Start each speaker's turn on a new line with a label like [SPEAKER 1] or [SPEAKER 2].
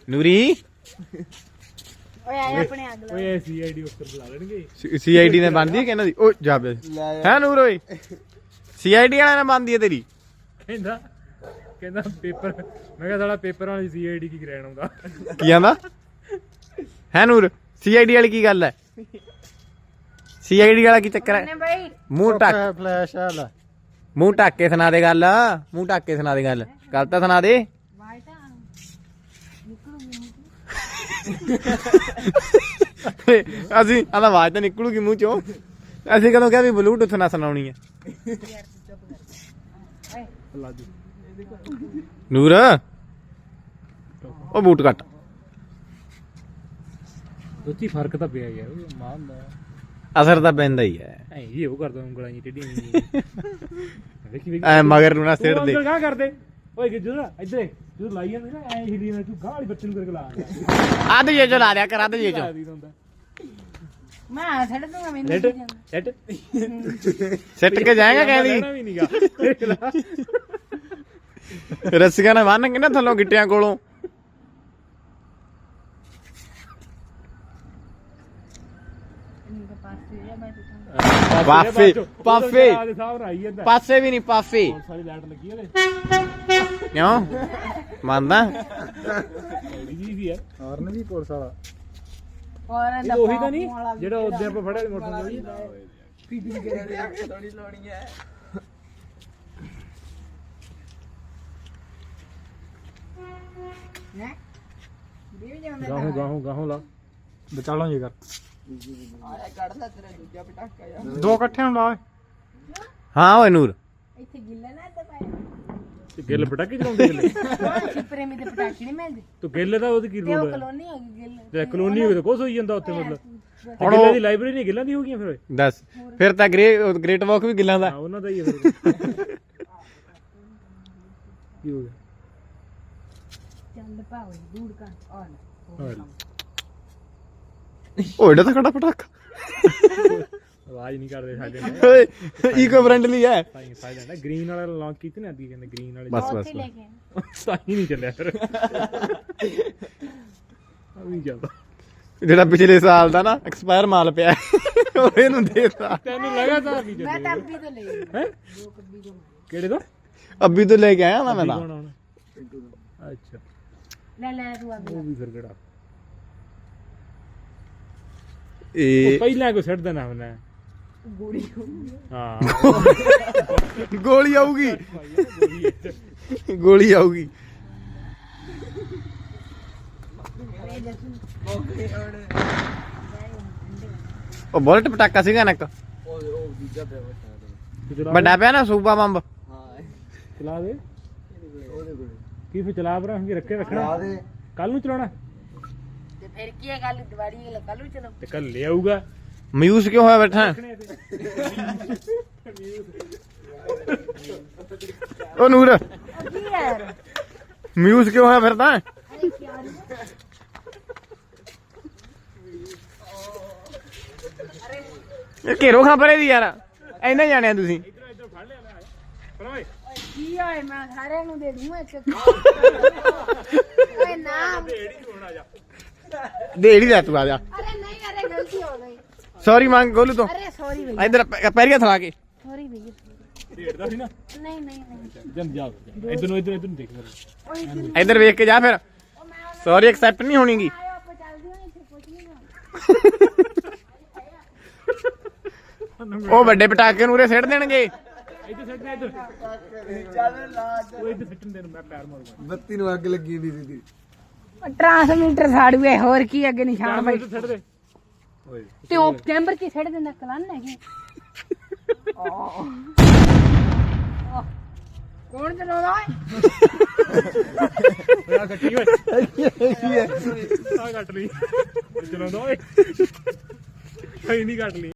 [SPEAKER 1] ਨੂਰੀ
[SPEAKER 2] ਓਏ ਆਇਆ ਆਪਣੇ ਅੱਗ ਲਾ
[SPEAKER 3] ਓਏ ਸੀਆਈਡੀ ਉੱਪਰ ਬੁਲਾ ਲੈਣਗੇ।
[SPEAKER 1] ਸੀਆਈਡੀ ਨੇ ਬੰਦੀ ਹੈ ਕਹਿੰਦਾ ਦੀ ਓ ਜਾ ਬੇ ਹੈ ਨੂਰ ਓਏ ਸੀਆਈਡੀ ਵਾਲਾ ਨੇ ਬੰਦੀ ਹੈ ਤੇਰੀ
[SPEAKER 3] ਕਹਿੰਦਾ ਪੇਪਰ ਮੈਂ ਕਿਹਾ ਸਾਲਾ ਪੇਪਰ ਵਾਲੀ ਸੀਆਈਡੀ ਕੀ ਕਰਾਉਣ ਆਉਂਦਾ।
[SPEAKER 1] ਕੀ ਆਂਦਾ ਹੈ ਨੂਰ ਸੀਆਈਡੀ ਵਾਲੀ ਕੀ ਗੱਲ ਹੈ ਸੀਆਈਡੀ ਵਾਲਾ ਕੀ ਚੱਕਰ ਹੈ
[SPEAKER 2] ਬਾਈ
[SPEAKER 1] ਮੂੰਹ ਢੱਕ
[SPEAKER 3] ਫਲੈਸ਼ ਵਾਲਾ
[SPEAKER 1] ਮੂੰਹ ਢੱਕ ਕੇ ਸੁਣਾ ਦੇ ਗੱਲ ਮੂੰਹ ਢੱਕ ਕੇ ਸੁਣਾ ਦੇ ਗੱਲ ਤਾਂ ਸੁਣਾ ਦੇ
[SPEAKER 2] ਬਾਈਟਾ
[SPEAKER 1] ਅਸੀਂ ਆਹ ਆਵਾਜ਼ ਤਾਂ ਨਿਕਲੂਗੀ ਮੂੰਹ ਚੋਂ ਅਸੀਂ ਕਦੋਂ ਕਿਹਾ ਵੀ ਬਲੂਟੁੱਥ ਨਾ ਸੁਣਾਉਣੀ ਹੈ ਨੂਰ ਉਹ ਬੂਟ ਕੱਟ
[SPEAKER 3] ਦੋਤੀ ਫਰਕ ਤਾਂ ਪਿਆ ਯਾਰ ਮਾਂ ਹੁੰਦਾ
[SPEAKER 1] ਅਸਰ ਤਾਂ ਪੈਂਦਾ ਹੀ ਹੈ
[SPEAKER 3] ਐ ਇਹ ਉਹ ਕਰਦਾ ਉਂਗਲਾਂ ਜੀ ਟੇਢੀਆਂ ਵੇਖੀ
[SPEAKER 1] ਐ ਮਗਰ ਨੂੰ ਨਾ ਸਿਰ ਦੇ
[SPEAKER 3] ਉਂਗਲ ਕਾ ਕਰਦੇ ਓਏ ਜਦੋਂ ਇੱਧਰ ਜਦੋਂ ਲਾਈ ਜਾਂਦੇ ਨਾ ਐ ਹਿੱਲੀ ਨਾ ਤੂੰ ਗਾਲੀ ਬੱਚੇ ਨੂੰ ਕਰਕੇ ਲਾ
[SPEAKER 1] ਅੱਧ ਜੇ ਚੋ ਲਾ ਦਿਆ ਕਰ ਅੱਧ ਜੇ ਚੋ
[SPEAKER 2] ਮੈਂ ਛੱਡ ਦੂੰਗਾ ਮੈਨੂੰ
[SPEAKER 3] ਸੈਟ
[SPEAKER 1] ਸਿੱਟ ਕੇ ਜਾਏਗਾ ਕਹਿੰਦੀ
[SPEAKER 3] ਵੀ ਨਹੀਂਗਾ
[SPEAKER 1] ਰੱਸੀਆਂ ਨਾਲ ਬੰਨ ਕੇ ਨਾ ਥੱਲੋਂ ਗਿੱਟਿਆਂ ਕੋਲੋਂ ਪਾਫੇ ਪਾਫੇ ਪਾਸੇ ਵੀ ਨਹੀਂ ਪਾਫੇ
[SPEAKER 3] ਸਾਰੀ ਲਾਈਟ ਲੱਗੀ ਉਹਦੇ
[SPEAKER 1] ਕਿਉਂ ਮੰਨਦਾ
[SPEAKER 3] ਜੀ ਵੀ ਹੈ ਹਾਰਨ ਵੀ ਪੁਲਿਸ ਵਾਲਾ
[SPEAKER 2] ਔਰ
[SPEAKER 3] ਇਹ ਉਹੀ ਤਾਂ ਨਹੀਂ ਜਿਹੜਾ ਉਹਦੇ ਆਪਾਂ ਫੜਿਆ ਮੋਟਰਸਾਈਕਲ ਗਾਹੋਂ ਲਾ ਬਚਾ ਲਾਂ ਇਹ ਕਰ ਦੋ ਇਕੱਠੇ ਨੂੰ ਲਾ
[SPEAKER 1] ਹਾਂ ਓਏ ਨੂਰ
[SPEAKER 2] ਇੱਥੇ ਗਿੱਲਾ ਨਾ ਇੱਥੇ ਪਾਇਆ
[SPEAKER 3] ਗਿੱਲ ਪਟਾਕੇ ਚਲਾਉਂਦੇ ਗਿੱਲੇ
[SPEAKER 2] ਛਿਪਰੇ ਮੇ ਤੇ ਪਟਾਕੇ ਨਹੀਂ ਮਿਲਦੇ
[SPEAKER 3] ਤੂੰ ਗਿੱਲੇ ਦਾ ਉਹਦੀ ਕੀ
[SPEAKER 2] ਤੇ ਉਹ
[SPEAKER 3] ਰੋਲ ਹੈ
[SPEAKER 2] ਕਲੋਨੀ ਹੋ ਗਈ ਗਿੱਲ
[SPEAKER 3] ਤੇ ਕਲੋਨੀ ਹੋਵੇ ਤਾਂ ਕੁਛ ਹੋਈ ਜਾਂਦਾ ਉੱਥੇ ਮਤਲਬ ਹੁਣ ਗਿੱਲੇ ਦੀ ਲਾਇਬ੍ਰੇਰੀ ਨਹੀਂ ਗਿੱਲਾਂ ਦੀ ਹੋ ਗਈਆਂ ਫਿਰ
[SPEAKER 1] ਦੱਸ ਫਿਰ ਤਾਂ ਗ੍ਰੇਟ ਵਾਕ ਵੀ ਗਿੱਲਾਂ ਦਾ
[SPEAKER 3] ਹਾਂ ਉਹਨਾਂ ਦਾ ਹੀ ਹੈ ਫਿਰ ਕੀ ਹੋ ਗਿਆ
[SPEAKER 2] ਚੱਲ ਪਾਓ ਦੂੜ ਕਾ ਔਰ
[SPEAKER 1] ਓਏ ਡਾ ਤਾਂ ਖੜਾ ਪਟਾਕਾ
[SPEAKER 3] ਆਵਾਜ਼ ਨਹੀਂ ਕਰਦੇ ਸਾਡੇ ਨਾਲ
[SPEAKER 1] ਓਏ ਈਕੋ ਫ੍ਰੈਂਡਲੀ ਹੈ
[SPEAKER 3] ਸਾਈਲੈਂਟ ਹੈ ਗ੍ਰੀਨ ਵਾਲਾ ਲਾਂਚ ਕੀਤੇ ਨੇ ਅੱਗੇ ਕਹਿੰਦੇ ਗ੍ਰੀਨ ਵਾਲੇ
[SPEAKER 1] ਬਸ
[SPEAKER 2] ਉੱਥੇ ਲੈ ਕੇ
[SPEAKER 3] ਸਾਈ ਨਹੀਂ ਚੱਲਿਆ ਫਿਰ ਆ ਵੀ ਚੱਲਦਾ
[SPEAKER 1] ਜਿਹੜਾ ਪਿਛਲੇ ਸਾਲ ਦਾ ਨਾ ਐਕਸਪਾਇਰ ਮਾਲ ਪਿਆ ਉਹ ਇਹਨੂੰ ਦੇਤਾ
[SPEAKER 3] ਤੈਨੂੰ ਲਗਾਤਾਰ ਨਹੀਂ
[SPEAKER 2] ਮੈਂ
[SPEAKER 3] ਚੱਲਿਆ
[SPEAKER 2] ਤਾਂ ਅੱਬੀ ਤੋਂ ਲਈ
[SPEAKER 3] ਹੈ
[SPEAKER 2] ਦੋ ਕੱਬੀ ਤੋਂ
[SPEAKER 3] ਕਿਹੜੇ ਤੋਂ
[SPEAKER 1] ਅੱਬੀ ਤੋਂ ਲੈ ਕੇ ਆਇਆ ਨਾ ਮੈਂ ਤਾਂ
[SPEAKER 3] ਅੱਛਾ
[SPEAKER 2] ਲੈ ਤੂੰ ਅੱਬੀ
[SPEAKER 3] ਉਹ ਵੀ ਫਿਰ ਕਿਹੜਾ
[SPEAKER 1] ਇਹ
[SPEAKER 3] ਪਹਿਲਾਂ ਕੋ ਛੱਡ ਦੇਣਾ ਹੁੰਦਾ
[SPEAKER 2] ਗੋੜੀ
[SPEAKER 3] ਹਾਂ
[SPEAKER 1] ਗੋਲੀ ਆਊਗੀ ਗੋਲੀ ਆਊਗੀ ਉਹ ਬੁਲਟ ਪਟਾਕਾ ਸੀਗਾ ਨਾ ਇੱਕ ਵੱਡਾ ਪਿਆ ਨਾ ਸੂਬਾ ਬੰਬ
[SPEAKER 3] ਚਲਾ ਦੇ ਕੀ ਫਿਰ ਚਲਾ ਭਰਾ ਕਿ ਰੱਖੇ ਰੱਖਣਾ ਕੱਲ ਨੂੰ ਚਲਾਉਣਾ
[SPEAKER 2] ਤੇ ਫਿਰ ਕੀ ਹੈ ਗੱਲ ਦਿਵਾਲੀ ਕੱਲੂ ਚਲੋ
[SPEAKER 3] ਤੇ ਕੱਲ ਲੈ ਆਊਗਾ
[SPEAKER 1] ਮਯੂਸ ਕਿਉਂ ਹੋਇਆ ਬੈਠਾ ਉਹ ਨੂਰ
[SPEAKER 2] ਕੀ ਯਾਰ
[SPEAKER 1] ਮਯੂਸ ਕਿਉਂ ਹੋਇਆ ਫਿਰਦਾ
[SPEAKER 2] ਅਰੇ ਯਾਰ
[SPEAKER 1] ਇਹ ਘੇਰੋ ਖਾਂ ਪਰੇ ਦੀ ਯਾਰ ਇੰਨੇ ਜਾਣਿਆ ਤੁਸੀਂ
[SPEAKER 3] ਇੱਧਰ ਫੜ ਲਿਆ ਪਰ ਓਏ
[SPEAKER 2] ਕੀ ਹੋਏ ਮੈਂ ਸਾਰਿਆਂ ਨੂੰ ਦੇ ਦੂੰ ਇੱਕ ਓਏ ਨਾ
[SPEAKER 1] ਦੇੜੀ ਲੈ ਤੂੰ ਆ ਜਾ
[SPEAKER 2] ਅਰੇ ਨਹੀਂ ਅਰੇ ਗਲਤੀ ਹੋ ਗਈ
[SPEAKER 1] ਸੌਰੀ ਮੰਗ ਗੋਲੂ ਤੋਂ
[SPEAKER 2] ਅਰੇ ਸੌਰੀ ਭਈਆ
[SPEAKER 1] ਇਧਰ ਪੈਰੀਆਂ ਥਲਾ ਕੇ
[SPEAKER 2] ਸੌਰੀ ਭਈਆ
[SPEAKER 3] ਢੇੜਦਾ ਸੀ ਨਾ
[SPEAKER 2] ਨਹੀਂ
[SPEAKER 3] ਜਨ ਜਾ ਇੱਧਰ ਨੂੰ ਦੇਖ
[SPEAKER 2] ਓਏ ਇੱਧਰ
[SPEAKER 1] ਇਧਰ ਵੇਖ ਕੇ ਜਾ ਫਿਰ
[SPEAKER 2] ਉਹ ਮੈਂ
[SPEAKER 1] ਸੌਰੀ ਐਕਸੈਪਟ ਨਹੀਂ ਹੋਣੀਗੀ
[SPEAKER 2] ਆਇਆ ਆਪਾਂ ਚੱਲਦੇ ਹਾਂ ਇੱਥੇ ਕੁਝ ਨਹੀਂ ਨਾ
[SPEAKER 1] ਉਹ ਵੱਡੇ ਪਟਾਕੇ ਨੂੰ ਉਰੇ ਸਿੱਟ ਦੇਣਗੇ
[SPEAKER 3] ਇੱਧਰ ਸੱਟਣਾ ਇੱਧਰ ਚੱਲ ਲਾ ਉਹ ਇੱਧਰ ਸੱਟਣ ਦੇ ਮੈਂ ਪੈਰ ਮਾਰੂਗਾ
[SPEAKER 4] ਬੱਤੀ ਨੂੰ ਅੱਗ ਲੱਗੀ ਦੀ ਸੀ
[SPEAKER 2] ਟ੍ਰਾਂਸਮੀਟਰ ਸਾੜੂਏ ਹੋਰ ਕੀ ਅੱਗੇ ਨਿਸ਼ਾਨ ਬਾਈ
[SPEAKER 3] ਸੱਟ ਦੇ ਓਏ
[SPEAKER 2] ਤੇ ਉਹ ਚੈਂਬਰ ਚ ਛੱਡ ਦਿੰਦਾ ਕਲਨ ਹੈਗੇ ਕੌਣ ਚਲਾਉਂਦਾ ਓਏ
[SPEAKER 3] ਆ ਕੱਟੀ ਓਏ ਆ ਕੱਟ ਲਈ ਚਲਾਉਂਦਾ ਓਏ ਨਹੀਂ ਕੱਟ ਲਈ